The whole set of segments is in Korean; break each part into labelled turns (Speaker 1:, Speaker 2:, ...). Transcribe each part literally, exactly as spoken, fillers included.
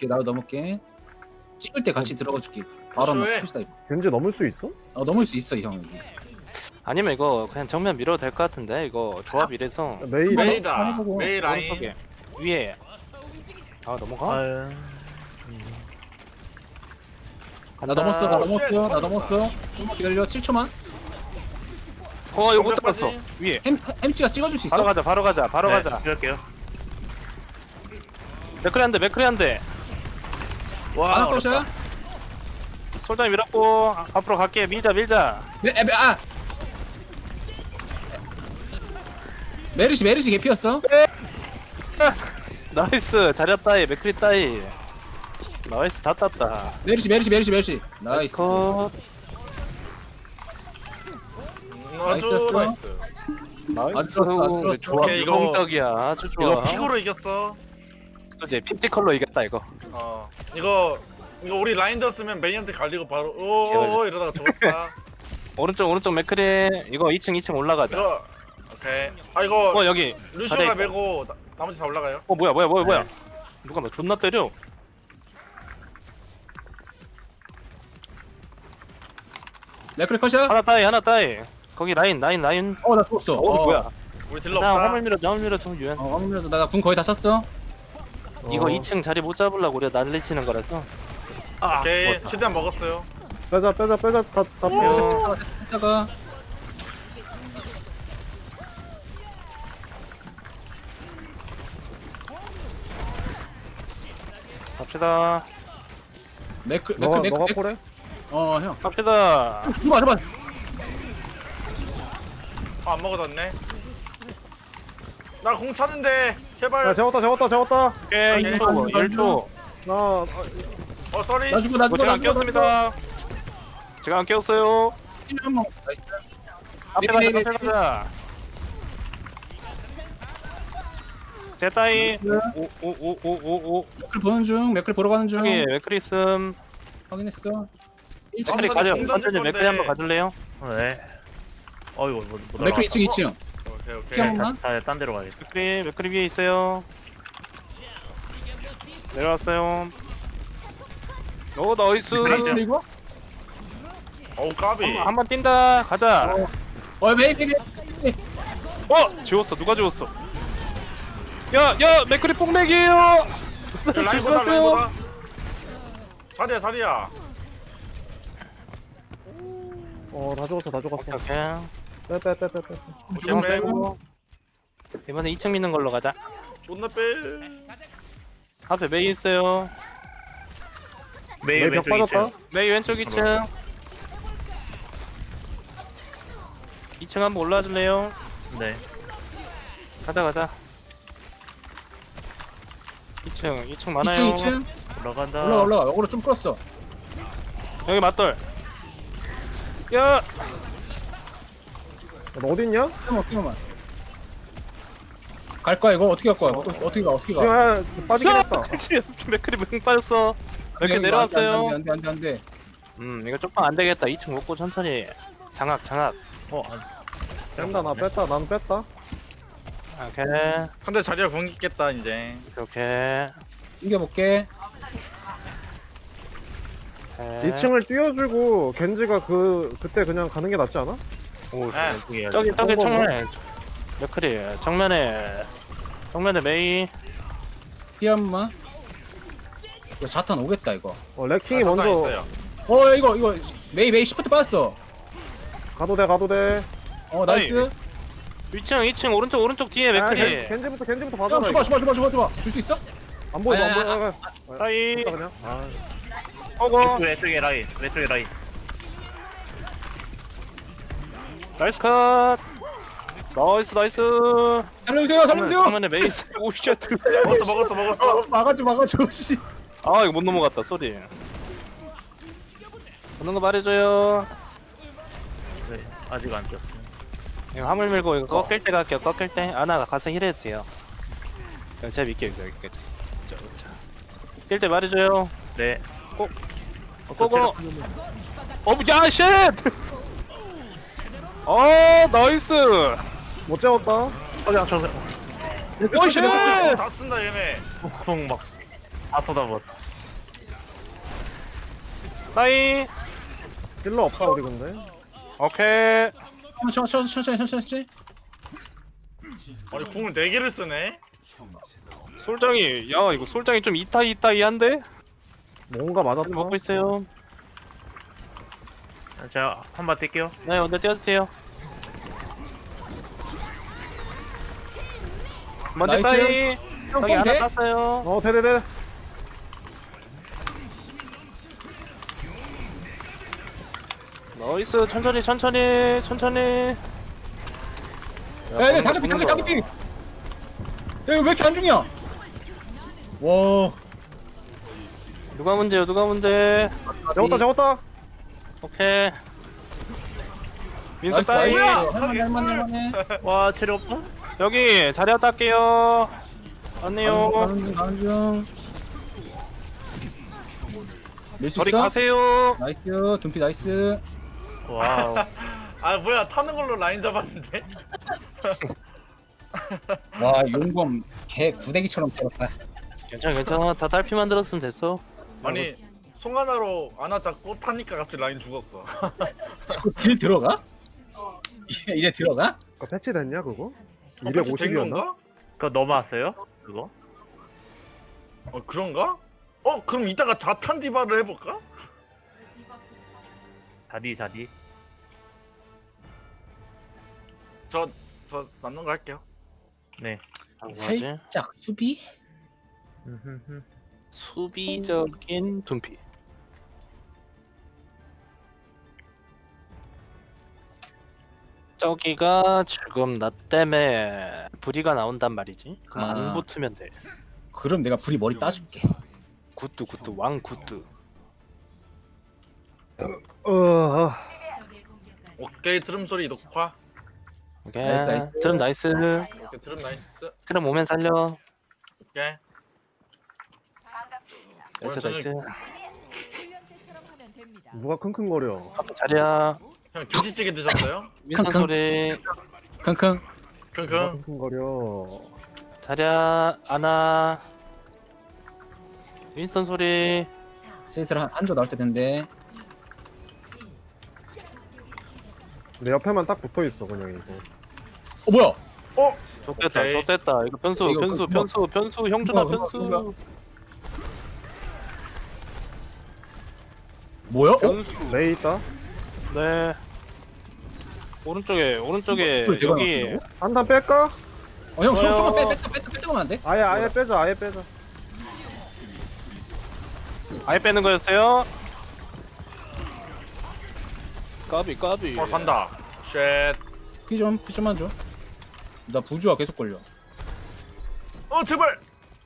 Speaker 1: 넘을게 나도 넘을게. 찍을 때 같이 들어가 줄게. 바로 한번
Speaker 2: 조심해.
Speaker 1: 푸시다.
Speaker 3: 견제 넘을 수 있어?
Speaker 1: 어 넘을 수 있어 이 형 여기.
Speaker 4: 아니면 이거 그냥 정면 밀어도 될 것 같은데 이거 조합 이래서
Speaker 3: 메이
Speaker 1: 메이-
Speaker 2: 메이다
Speaker 1: 해보고.
Speaker 2: 메이 라인
Speaker 4: 오른쪽에 위에 아 넘어가?
Speaker 3: 아,
Speaker 1: 나 넘었어 나
Speaker 2: 오,
Speaker 1: 넘었어
Speaker 2: 쉣,
Speaker 1: 나
Speaker 2: 터졌다.
Speaker 1: 넘었어. 좀만 기다려 칠 초만.
Speaker 4: 어 이거 못
Speaker 2: 공격까지.
Speaker 4: 잡았어 위에
Speaker 1: 햄 햄찌가 찍어줄 수 있어?
Speaker 4: 바로 가자 바로 가자 바로
Speaker 5: 네,
Speaker 4: 가자
Speaker 5: 이럴게요.
Speaker 4: 맥크리 한대 맥크리 한대
Speaker 5: 와,
Speaker 1: 하나
Speaker 5: 어렵다.
Speaker 1: 컷이야?
Speaker 4: 솔장이 밀었고 아, 앞으로 갈게 밀자 밀자
Speaker 1: 메, 에, 메, 아 메르시 메르시 개피였어?
Speaker 4: 나이스 자리야 따이 맥크리 따이 나이스 다 땄다
Speaker 1: 메르시 메르시 메르시 메르시 나이스.
Speaker 4: 컷
Speaker 2: 음, 아주
Speaker 1: 나이스였어.
Speaker 2: 나이스
Speaker 4: 나이스
Speaker 1: 아주 좋았어, 아주
Speaker 4: 우리
Speaker 1: 좋았어.
Speaker 4: 조합
Speaker 2: 오케이, 이거-
Speaker 4: 유동적이야 아주 좋아
Speaker 2: 이거 픽으로 이겼어
Speaker 4: 또 이제 피티 컬러 이겼다 이거
Speaker 2: 어 이거 이거 우리 라인 졌으면 메이한테 갈리고 바로 오오
Speaker 4: 개발렸어.
Speaker 2: 이러다가 죽었다
Speaker 4: 오른쪽 오른쪽 맥크리 이거 이 층 이 층 올라가자
Speaker 2: 이거 오케이 아 이거
Speaker 4: 어 여기
Speaker 2: 루시오가
Speaker 4: 자리에
Speaker 2: 메고 나, 나머지 다 올라가요
Speaker 4: 어 뭐야 뭐야 뭐야 뭐야
Speaker 1: 네.
Speaker 4: 누가 나 존나 때려
Speaker 1: 레크리 컷이야?
Speaker 4: 하나 따이 하나 따이 거기 라인 라인 라인
Speaker 1: 어 나 죽었어.
Speaker 4: 어, 뭐야
Speaker 2: 우리 딜러
Speaker 4: 자
Speaker 2: 없다
Speaker 4: 화물 밀어 화물 밀어 좀 유연
Speaker 1: 어 화면에서 나궁 거의 다 찼어.
Speaker 4: 이거
Speaker 3: 어.
Speaker 4: 이 층 자리 못 잡으려고 우리가 난리 치는 거라서
Speaker 5: 아,
Speaker 2: 오케이
Speaker 5: 죽었다.
Speaker 2: 최대한 먹었어요
Speaker 3: 빼자 빼자 빼자 다다 빼.
Speaker 4: 어,
Speaker 1: 했다가
Speaker 4: 갑시다
Speaker 1: 맥크 맥크
Speaker 3: 너가
Speaker 1: 맥크
Speaker 3: 너가
Speaker 1: 맥-
Speaker 3: 콜해?
Speaker 1: 어 형.
Speaker 4: 갑시다
Speaker 1: 줘봐 줘봐.
Speaker 2: 아, 안 먹어졌네 나 공 차는데 제발
Speaker 3: 야 재웠다 재웠다 재웠다.
Speaker 4: 오케이
Speaker 2: 오케이.
Speaker 4: 일 초 일 초
Speaker 3: 나 아,
Speaker 2: 어 쏘리
Speaker 1: 나 주고 나
Speaker 4: 어,
Speaker 1: 주고
Speaker 4: 제가
Speaker 1: 나
Speaker 4: 안
Speaker 1: 주고
Speaker 4: 깨웠습니다 제가 안 깨웠어요
Speaker 1: 나이스.
Speaker 4: 앞에
Speaker 1: 네, 네,
Speaker 4: 가자 앞에
Speaker 1: 네.
Speaker 4: 가자 제 따이 오오오오오오
Speaker 1: 맥크리 보는 중 맥크리 보러 가는 중.
Speaker 4: 여기 맥크리슴
Speaker 1: 확인했어. 일 층
Speaker 4: 맥크리
Speaker 2: 어,
Speaker 4: 가죠
Speaker 2: 공 던질
Speaker 4: 천천히 맥크리
Speaker 2: 건데.
Speaker 4: 한번 가줄래요?
Speaker 5: 네. 어이구, 못, 못
Speaker 1: 맥크리 이 층 이 층.
Speaker 2: 오케이 오케이
Speaker 1: 피한 번만.
Speaker 5: 다시 딴 데로 가야겠다.
Speaker 4: 맥크리 맥크리 위에 있어요 내려왔어요 오 나이스
Speaker 1: 나이스 이거?
Speaker 2: 어우 까비
Speaker 4: 한번 뛴다 가자
Speaker 1: 어 메이 메이.
Speaker 4: 어 지웠어 누가 지웠어 야야 맥크리 뽕맥이에요
Speaker 2: 야, 라인보다
Speaker 4: 지웠어요.
Speaker 2: 라인보다 자리야 자리야
Speaker 3: 어다 죽었어 다 죽었어.
Speaker 4: 오케이
Speaker 3: 빼빼 빼 빼 빼.
Speaker 4: 주문
Speaker 2: 오케이.
Speaker 4: 빼고 이번에 이 층 믿는 걸로 가자
Speaker 2: 존나 빼
Speaker 4: 앞에 메이 있어요
Speaker 5: 메이
Speaker 3: 메이 벽
Speaker 5: 왼쪽
Speaker 3: 빠졌다.
Speaker 5: 있죠.
Speaker 4: 메이 왼쪽 이 층 이 층 한번 올라와 줄래요?
Speaker 5: 네.
Speaker 4: 가자 가자 이 층 이 층
Speaker 1: 이 층
Speaker 4: 많아요
Speaker 1: 이 층.
Speaker 5: 올라간다.
Speaker 1: 올라가 올라가. 어그로 좀 끌었어.
Speaker 4: 여기 맞돌 야
Speaker 3: 너 어디 있냐?
Speaker 1: 잠깐만 잠깐만. 갈 거야 이거 어떻게 갈 거야? 어떻게 어떻게 가 어떻게 가?
Speaker 3: 야 빠지긴 했다.
Speaker 4: 맥크리 맹 빠졌어 맥크리 내려왔어요
Speaker 1: 안돼 안돼 안돼.
Speaker 4: 음 이거 조금 안 되겠다 이 층 먹고 천천히 장악 장악
Speaker 5: 어, 안.
Speaker 3: 뺀다 나 뺐다 난 뺐다.
Speaker 4: 오케이
Speaker 2: 근데 자리야 궁 있겠다 이제
Speaker 4: 오케이
Speaker 1: 이겨 볼게.
Speaker 4: 오케이.
Speaker 3: 이 층을 띄워주고 겐지가 그 그때 그냥 가는 게 낫지 않아?
Speaker 4: 오
Speaker 2: 네.
Speaker 5: 왼쪽에
Speaker 4: 저기 저기
Speaker 3: 어,
Speaker 4: 정면에 맥크리 정면에 정면에 메이
Speaker 1: 피한 번만. 이거 자탄 오겠다 이거.
Speaker 3: 어 레킹이
Speaker 2: 아, 잠깐
Speaker 3: 먼저
Speaker 2: 있어요.
Speaker 1: 어 야, 이거 이거 메이 메이 시프트 빠졌어.
Speaker 3: 가도 돼 가도 돼.
Speaker 1: 어 나이스.
Speaker 4: 이 층 이 층 오른쪽 오른쪽 뒤에
Speaker 3: 아,
Speaker 4: 맥크리
Speaker 3: 겐- 겐지부터 겐지부터
Speaker 1: 야
Speaker 3: 봐줘라.
Speaker 1: 줘봐
Speaker 3: 이거.
Speaker 1: 줘봐 줘봐 줘봐 줘봐. 줄 수 있어?
Speaker 3: 안 보여
Speaker 1: 아니,
Speaker 3: 안 보여. 아,
Speaker 4: 따이
Speaker 3: 됐다, 그냥.
Speaker 5: 아,
Speaker 4: 오고
Speaker 5: 왼쪽, 왼쪽에 라인. 왼쪽에 라인.
Speaker 4: 나이스 컷 나이스 나이스
Speaker 1: 살려주세요 살려주세요.
Speaker 4: 정면에 메이 오쉣
Speaker 2: 먹었어 먹었어 먹었어
Speaker 1: 어, 막아줘 막아줘 씨.
Speaker 4: 아 이거 못 넘어갔다 소리 보는 거 말해줘요
Speaker 5: 네, 아직 안 떴어.
Speaker 4: 이거 화물 밀고 이거 꺾일 때 갈게요 꺾일 때 아나가 가서 힐해도 돼요 그냥 제가 믿게요 여기까지 뛸때 말해줘요
Speaker 5: 네.
Speaker 4: 꼭.
Speaker 5: 어,
Speaker 4: 고고.
Speaker 5: 저
Speaker 4: 어, 야, 쉣! 어, 나이스!
Speaker 3: 못 재웠다.
Speaker 5: 체력- 어, 저,
Speaker 4: 오, 쉣!
Speaker 2: 다 쓴다 얘네
Speaker 5: 저, 막, 다 쏟아버.
Speaker 4: 따이.
Speaker 3: 힐러 없다 우리 근데.
Speaker 4: 오케이.
Speaker 1: 천천히 천천히 천천히 천천히.
Speaker 2: 아니 궁을 네 개를 쓰네.
Speaker 4: 솔장이 야 이거 솔장이 좀 이타이 이타이한데?
Speaker 3: 뭔가 맞았다.
Speaker 4: 먹고 있어요.
Speaker 5: 아, 제가 한 번 뛸게요.
Speaker 4: 네 언제 띄워주세요. 먼저
Speaker 1: 나이스.
Speaker 4: 따이. 저기
Speaker 1: 형
Speaker 4: 하나
Speaker 1: 돼?
Speaker 4: 땄어요.
Speaker 3: 어 대대대.
Speaker 4: 나이스 천천히 천천히 천천히.
Speaker 1: 야야 다급히 다급히 다급히. 야 이거 왜 이렇게 안 중이야? 와.
Speaker 4: 누가 문제요 누가 문제.
Speaker 3: 잡았다 잡았다.
Speaker 4: 오케이. 민수
Speaker 1: 나이스
Speaker 4: 따이.
Speaker 1: 나이스. 할만해 할만해 할만해.
Speaker 5: 와 체력 없어?
Speaker 4: 여기 자리 닦게요. 안녕.
Speaker 1: 가는 중 가는 중. 밀수
Speaker 4: 저리
Speaker 1: 있어?
Speaker 4: 가세요.
Speaker 1: 나이스 둠피 나이스.
Speaker 5: 와우.
Speaker 2: 아 뭐야 타는 걸로 라인 잡았는데.
Speaker 1: 와 용검 개 구데기처럼 때렸다.
Speaker 4: 괜찮아 괜찮아 다 딸피 만들었으면 됐어.
Speaker 2: 아니 송 하나로 아나 잡고 타니까 갑자기 라인 죽었어.
Speaker 1: 그거 딜 들어가? 이제, 이제 들어가?
Speaker 3: 그거 패치됐냐 그거?
Speaker 2: 어, 된
Speaker 3: 이백오십이었나?
Speaker 2: 건가?
Speaker 5: 그거 넘어왔어요? 그거?
Speaker 2: 어 그런가? 어 그럼 이따가 자탄 디바를 해볼까?
Speaker 5: 자디 자디.
Speaker 2: 저 저 남는 거 할게요.
Speaker 5: 네.
Speaker 4: 뭐지?
Speaker 1: 살짝 수비?
Speaker 3: 음흠흠.
Speaker 4: 수비적인 둔피. 저기가 지금 나 때문에 불이가 나온단 말이지. 그럼
Speaker 1: 아.
Speaker 4: 안 붙으면 돼.
Speaker 1: 그럼 내가 불이 머리 따줄게.
Speaker 4: 굿드 굿드 왕 굿드.
Speaker 3: 어.
Speaker 2: 오케이 드럼 소리 녹화.
Speaker 4: 오케이.
Speaker 1: 나이스, 나이스.
Speaker 4: 드럼 나이스.
Speaker 2: 오케이 드럼 나이스.
Speaker 4: 드럼 오면 살려.
Speaker 2: 오케이.
Speaker 4: 나이스
Speaker 2: 오늘
Speaker 4: 나이스.
Speaker 3: 누가 킁킁거려.
Speaker 4: 앞에 자리야.
Speaker 2: 형 김치찌개 드셨어요?
Speaker 4: 민선
Speaker 1: 킁킁.
Speaker 4: 소리.
Speaker 1: 킁킁.
Speaker 2: 킁킁.
Speaker 3: 누가 킁킁거려.
Speaker 4: 자리야 아나. 윈스턴 소리.
Speaker 1: 슬슬 한, 한조 나올 때 된대.
Speaker 3: 내 옆에만 딱 붙어있어 그냥 이거.
Speaker 1: 어 뭐야?
Speaker 2: 어?
Speaker 4: 좋됐다
Speaker 2: 오케이.
Speaker 4: 좋됐다. 이거 변수
Speaker 1: 이거
Speaker 4: 변수
Speaker 1: 그-
Speaker 4: 변수 변수 형준아
Speaker 1: 그거,
Speaker 4: 변수.
Speaker 1: 그거. 뭐야? 어?
Speaker 4: 변수.
Speaker 3: 레이 있다.
Speaker 4: 네. 오른쪽에 오른쪽에
Speaker 1: 그걸 내가
Speaker 4: 여기
Speaker 1: 나왔다고?
Speaker 3: 한 단 뺄까?
Speaker 1: 어 형
Speaker 4: 좋아요.
Speaker 1: 조금만 빼 뺐다 뺐다 뺐다 가면 안 돼?
Speaker 3: 아예 아예 빼자 아예 빼자.
Speaker 4: 아예 빼는 거였어요. 까비 까비.
Speaker 2: 어 산다. 쉣.
Speaker 1: 피좀 피 좀만 줘. 나 부주가 계속 걸려.
Speaker 2: 어 제발.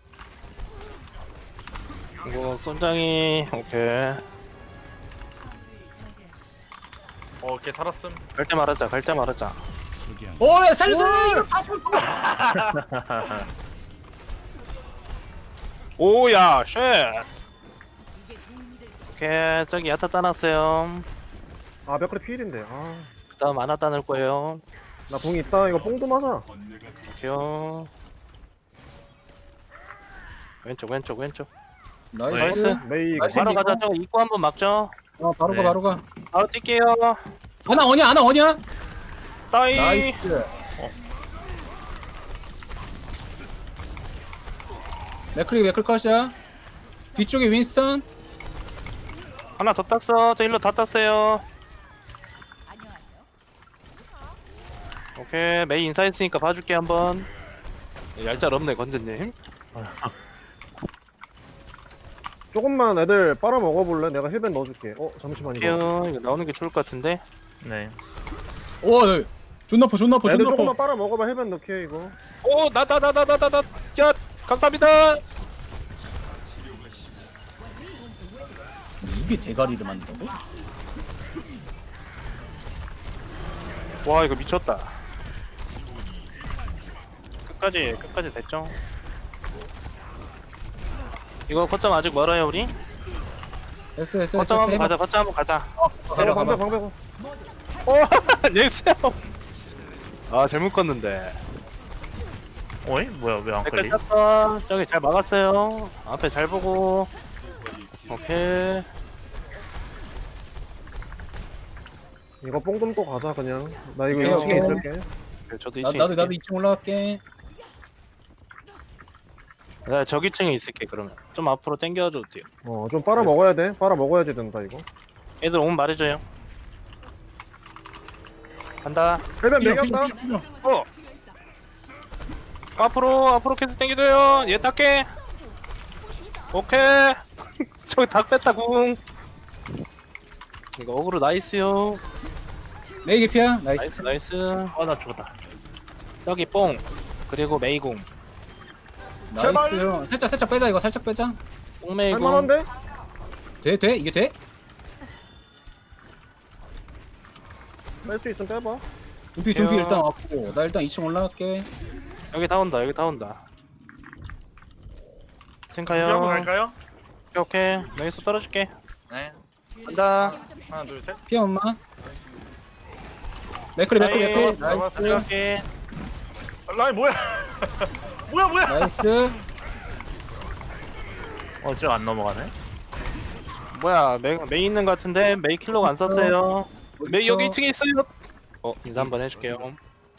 Speaker 4: 이거 손장이 오케이.
Speaker 2: 어, 오케이 살았음.
Speaker 4: 갈 때 말하자 갈 때 말하자.
Speaker 1: 어야 살려줘.
Speaker 4: 오야 쉣. 오케이 저기 야타 따놨어요.
Speaker 3: 아 몇 그릇 필인데. 아.
Speaker 4: 그다음 아나 따낼 거예요.
Speaker 3: 나 봉 있다. 이거 뽕도 맞아.
Speaker 4: 오케이요. 왼쪽 왼쪽 왼쪽.
Speaker 1: 나이스.
Speaker 4: 나이스.
Speaker 3: 메이 이거.
Speaker 1: 나이스.
Speaker 4: 바로
Speaker 1: 이거?
Speaker 4: 가자. 저거 입구 한번 막죠.
Speaker 1: 어 바로 가
Speaker 5: 네.
Speaker 1: 바로 가.
Speaker 4: 바로 뛸게요.
Speaker 1: 아나 어냐 아나 어냐?
Speaker 4: 따이.
Speaker 1: 나이스. 맥크리 맥클 컷이야. 뒤쪽에 윈스턴.
Speaker 4: 하나 더 땄어. 저 일로 다 땄어요. 오케이 메이 인사했으니까 봐줄게 한번. 얄짤 없네 건재님.
Speaker 3: 조금만 애들 빨아 먹어볼래? 내가 힐벤 넣어줄게. 어 잠시만 이거.
Speaker 4: 오케이 이거 나오는 게 좋을 것 같은데.
Speaker 5: 네.
Speaker 1: 오 네. 존나 퍼 존나 퍼
Speaker 3: 애들
Speaker 1: 존나
Speaker 3: 조금만
Speaker 1: 퍼.
Speaker 3: 빨아 먹어봐. 힐벤 넣게 이거.
Speaker 4: 오 나다 나다 나다 나다. 야 감사합니다.
Speaker 1: 이게 대가리를 만든다고?
Speaker 4: 와 이거 미쳤다. 끝까지 끝까지 됐죠. 이거 거점 아직 멀어요 우리.
Speaker 1: 됐어 됐어
Speaker 4: 거점
Speaker 1: 됐어
Speaker 4: 한번
Speaker 1: 해봐.
Speaker 4: 가자. 거점 한번 가자.
Speaker 1: 가봐
Speaker 3: 방배
Speaker 1: 가봐.
Speaker 3: 방배.
Speaker 4: 오 예스요. 아잘 묶었는데.
Speaker 5: 어이? 뭐야 왜 안
Speaker 4: 댓글
Speaker 5: 걸리?
Speaker 4: 땄어. 저기 잘 막았어요. 앞에 잘 보고. 오케이.
Speaker 3: 이거 뽕 좀 또 가자 그냥. 나 이거
Speaker 1: 오케이,
Speaker 3: 이 층에
Speaker 1: 오케이.
Speaker 3: 있을게.
Speaker 4: 네, 저도
Speaker 1: 나,
Speaker 4: 이 층에
Speaker 1: 나도 나도
Speaker 4: 있을게.
Speaker 1: 이 층 올라갈게.
Speaker 4: 나 저기 층에 있을게 그러면. 좀 앞으로 당겨줘도 돼요.
Speaker 3: 어 좀 빨아 먹어야 돼. 빨아 먹어야지 된다 이거.
Speaker 4: 애들 오면 말해줘요. 간다.
Speaker 3: 헬벤
Speaker 1: 피어,
Speaker 3: 매겼다.
Speaker 1: 피어, 피어, 피어.
Speaker 4: 어. 앞으로 앞으로 계속 당겨줘요. 얘 닦게. 오케이. 저기 닭 뺐다 궁. 이거 어그로 나이스요.
Speaker 1: 메이 개피야. 나이스.
Speaker 4: 나이스 나이스.
Speaker 5: 아 나 죽었다.
Speaker 4: 저기 뽕. 그리고 메이궁.
Speaker 1: 나이스요. 살짝 살짝 빼자 이거 살짝 빼자.
Speaker 4: 뽕메이궁.
Speaker 3: 할만한데?
Speaker 1: 돼 돼? 이게 돼?
Speaker 3: 뺄 수 있으면 빼봐.
Speaker 1: 두피 두피 일단 왔고 나 일단 이 층 올라갈게.
Speaker 4: 여기 다 온다 여기 다 온다.
Speaker 2: 준비 한번
Speaker 4: 층카요.
Speaker 2: 갈까요?
Speaker 4: 오케이 오케이. 여기서 떨어줄게.
Speaker 2: 네.
Speaker 4: 간다.
Speaker 2: 하나 둘 셋.
Speaker 1: 피어 엄마. 맥크리 맥크리
Speaker 4: 나이스.
Speaker 1: 맥크리.
Speaker 2: 잡았어.
Speaker 1: 나이스.
Speaker 4: 오케이.
Speaker 2: 라인 뭐야? 뭐야 뭐야?
Speaker 1: 나이스.
Speaker 5: 어저 안 넘어가네.
Speaker 4: 뭐야 메, 메이 있는 것 같은데 메이 킬로가 안 썼어요. 메이
Speaker 1: 어딨어?
Speaker 4: 여기 이 층에 있어요. 어 인사 한번 해줄게요.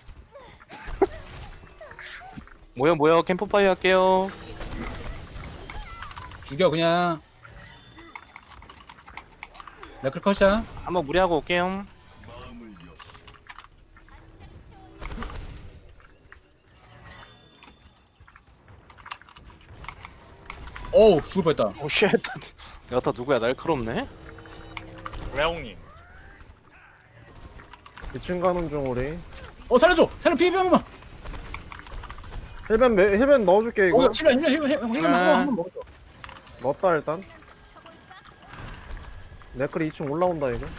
Speaker 4: 뭐야 뭐야 캠프파이어 할게요.
Speaker 1: 죽여 그냥. 맥크리 컷이야.
Speaker 4: 한번 무리하고 올게요.
Speaker 1: 어우 죽을 뻔했다.
Speaker 4: 오쉣. 야타 누구야 날카롭네.
Speaker 2: 레옹님.
Speaker 3: 이 층 가는 중 우리.
Speaker 1: 어 살려줘. 살려 피해 피해 한번.
Speaker 3: 헬벤 매, 헬벤 넣어줄게 이거.
Speaker 1: 어 힐러 힐러 힐러 힐러 힐러 한번 먹어.
Speaker 3: 넣었다 일단. 네클이 이 층 올라온다 이거.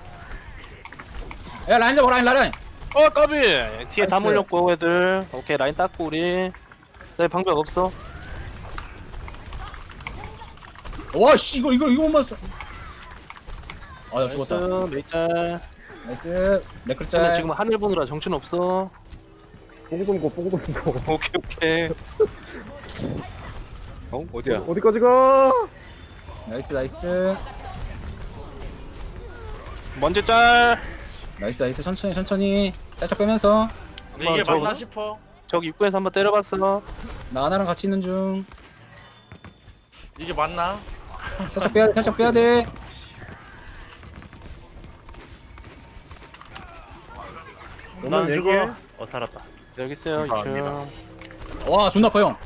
Speaker 1: 야 라인 잡아 라인 라인.
Speaker 4: 어 까비. 뒤에 다
Speaker 3: 나이스.
Speaker 4: 몰렸고 애들. 오케이 라인 닦고 우리. 내 방벽 없어.
Speaker 1: 와씨 이거 이거 이거 못 맞았어. 아나 죽었다.
Speaker 4: 나이스 메이짤.
Speaker 1: 나이스. 맥크리
Speaker 4: 근데
Speaker 1: 짤.
Speaker 4: 지금 하늘 보느라 정신 없어.
Speaker 3: 뽕 좀 고, 뽕 좀 고.
Speaker 4: 오케이 오케이. 어 어디야?
Speaker 3: 어디까지 가?
Speaker 1: 나이스 나이스.
Speaker 4: 먼저 짤.
Speaker 1: 나이스 나이스 천천히 천천히 살짝 빼면서
Speaker 2: 근데 이게
Speaker 4: 저거?
Speaker 2: 맞나 싶어.
Speaker 4: 저기 입구에서 한번 때려봤어.
Speaker 1: 나 하나랑 같이 있는 중.
Speaker 2: 이게 맞나?
Speaker 1: 살짝 빼야 돼 살짝 빼야 돼.
Speaker 5: 난
Speaker 3: 오면
Speaker 5: 죽어.
Speaker 3: 얘기해.
Speaker 5: 어 살았다.
Speaker 4: 여기 있어요
Speaker 5: 감사합니다.
Speaker 4: 이층.
Speaker 1: 와 존나 아파 형.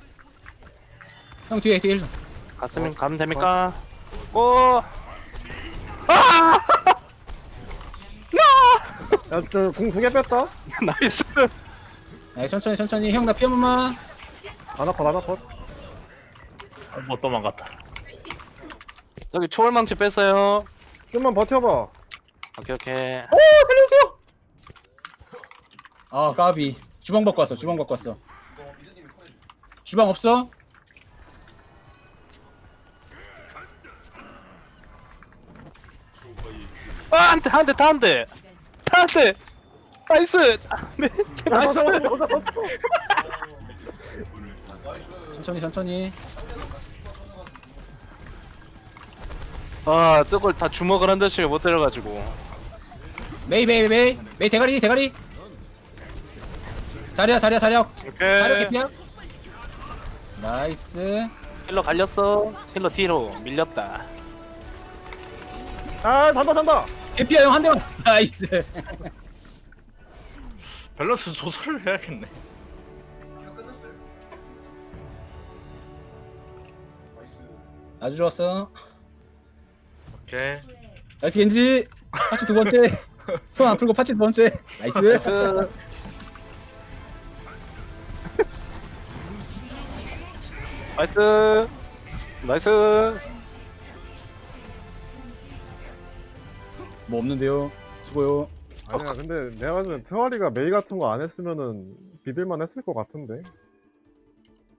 Speaker 1: 형 뒤에 뒤에 일 좀.
Speaker 4: 갔으면 가면 됩니까? 오.
Speaker 3: 야저궁 두 개 뺐다.
Speaker 4: 나이스.
Speaker 1: 아 천천히 천천히 형 나 피 한 번만.
Speaker 3: 하나 컷 하나 컷.
Speaker 5: 못 뭐 도망갔다.
Speaker 4: 저기 초월망치 뺐어요.
Speaker 3: 좀만 버텨봐.
Speaker 4: 오케이 오케이.
Speaker 1: 오 살려주세요. 아 까비. 주방 바꿔 왔어 주방 바꿔 왔어. 주방 없어?
Speaker 4: 아, 한 대, 한 대, 다 한 대. 다 한 대. 나이스. 나이스.
Speaker 1: 천천히 천천히.
Speaker 4: 아, 저걸 다 주먹을 한 대씩 못 때려가지고.
Speaker 1: 메이 메이 메이 메이 대가리 대가리. 자리야 자리야 자리야. 자리야
Speaker 4: 오케이.
Speaker 1: 개피야. 나이스.
Speaker 4: 힐러 갈렸어. 힐러 뒤로 밀렸다.
Speaker 3: 아 잔다 잔다.
Speaker 1: 개피야 형 한 대만. 나이스.
Speaker 2: 밸런스 조절을 해야겠네.
Speaker 1: 아주 좋았어.
Speaker 2: 오케이.
Speaker 1: 나이스 겐지. 파츠 두 번째. 손 안 풀고 파츠 두 번째. 나이스.
Speaker 4: 나이스. 나이스. 나이스.
Speaker 1: 뭐 없는데요. 수고요.
Speaker 3: 아니야 근데 내가 봤을 때 트와리가 메이 같은 거 안 했으면은 비빌만 했을 것 같은데.